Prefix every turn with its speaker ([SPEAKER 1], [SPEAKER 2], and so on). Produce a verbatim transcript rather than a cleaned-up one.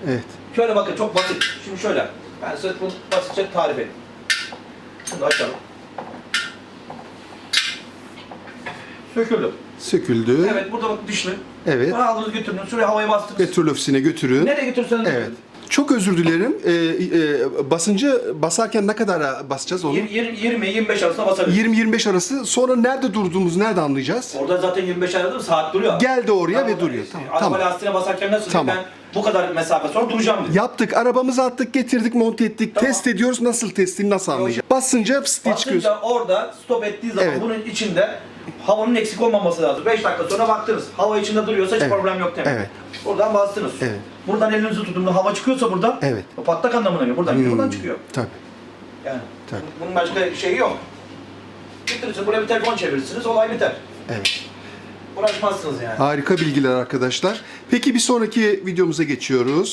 [SPEAKER 1] Evet.
[SPEAKER 2] Şöyle bakın, çok basit. Şimdi şöyle. Ben size bunu basitçe tarif edeyim. Şunu da açalım. Söküldü.
[SPEAKER 1] Söküldü.
[SPEAKER 2] Evet, burada bak dişli.
[SPEAKER 1] Evet.
[SPEAKER 2] Bunu aldınız götürdünüz, şuraya havaya bastınız.
[SPEAKER 1] Petrol ofisine götürün.
[SPEAKER 2] Nereye götürseniz
[SPEAKER 1] Evet. Çok özür dilerim. Ee, e, basıncı basarken ne kadar basacağız onu?
[SPEAKER 2] yirmi yirmi beş arasında basabiliriz.
[SPEAKER 1] yirmi yirmi beş arası. Sonra nerede durduğumuzu nerede anlayacağız?
[SPEAKER 2] Orada zaten yirmi beş arada saat duruyor.
[SPEAKER 1] Geldi oraya
[SPEAKER 2] Tamam,
[SPEAKER 1] ve duruyor.
[SPEAKER 2] işte,
[SPEAKER 1] Tamam.
[SPEAKER 2] Araba
[SPEAKER 1] Tamam.
[SPEAKER 2] lastiğine basarken nasıl
[SPEAKER 1] Tamam.
[SPEAKER 2] ben bu kadar mesafe sonra duracağım dedi.
[SPEAKER 1] Yaptık. Arabamızı attık, getirdik, monte ettik.
[SPEAKER 2] Tamam.
[SPEAKER 1] Test ediyoruz. Nasıl testini nasıl anlayacağız? Basınca pıs diye çıkıyoruz.
[SPEAKER 2] Basınca orada stop ettiği zaman
[SPEAKER 1] Evet.
[SPEAKER 2] bunun içinde havanın eksik olmaması lazım. beş dakika sonra baktınız. Hava içinde duruyorsa hiç
[SPEAKER 1] Evet.
[SPEAKER 2] problem yok demek.
[SPEAKER 1] Evet.
[SPEAKER 2] Buradan bastınız.
[SPEAKER 1] Evet.
[SPEAKER 2] Buradan elinizi tutun. Hava çıkıyorsa buradan
[SPEAKER 1] Evet.
[SPEAKER 2] o patlak anlamına geliyor. Buradan geliyor,
[SPEAKER 1] Hmm.
[SPEAKER 2] buradan çıkıyor.
[SPEAKER 1] Tabii.
[SPEAKER 2] Yani
[SPEAKER 1] Tabii.
[SPEAKER 2] bunun başka şeyi yok. Getirirsiniz, buraya bir telefon çevirirsiniz, olay biter.
[SPEAKER 1] Evet.
[SPEAKER 2] Uğraşmazsınız yani.
[SPEAKER 1] Harika bilgiler arkadaşlar. Peki bir sonraki videomuza geçiyoruz.